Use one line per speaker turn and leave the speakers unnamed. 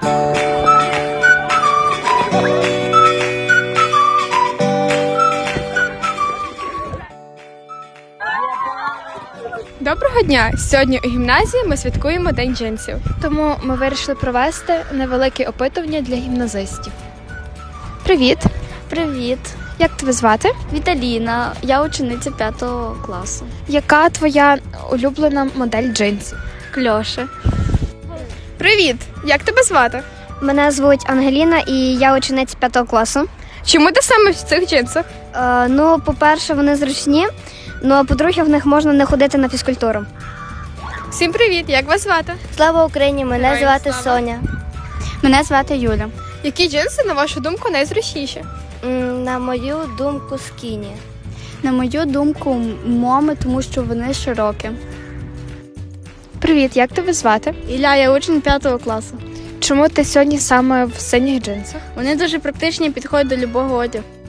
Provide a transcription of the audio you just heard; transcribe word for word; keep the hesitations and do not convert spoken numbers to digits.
Доброго дня! Сьогодні у гімназії ми святкуємо День джинсів. Тому ми вирішили провести невелике опитування для гімназистів. Привіт!
Привіт,
Як тебе звати?
Віталіна. Я учениця п'ятого класу.
Яка твоя улюблена модель джинсів?
Кльоше.
Привіт! Як тебе звати?
Мене звуть Ангеліна і я учениця п'ятого класу.
Чому ти саме в цих джинсах?
Е, ну, по-перше, вони зручні, ну а по-друге, в них можна не ходити на фізкультуру.
Всім привіт! Як вас звати?
Слава Україні! Мене
Героям
звати
слава!
Соня. Мене звати Юля.
Які джинси, на вашу думку, найзручніші?
М, На мою думку, скіні.
На мою думку, моми, тому що вони широкі.
Привіт! Як тебе звати?
Ілля, я учень п'ятого класу.
Чому ти сьогодні саме в синіх джинсах?
Вони дуже практичні, підходять до любого одягу.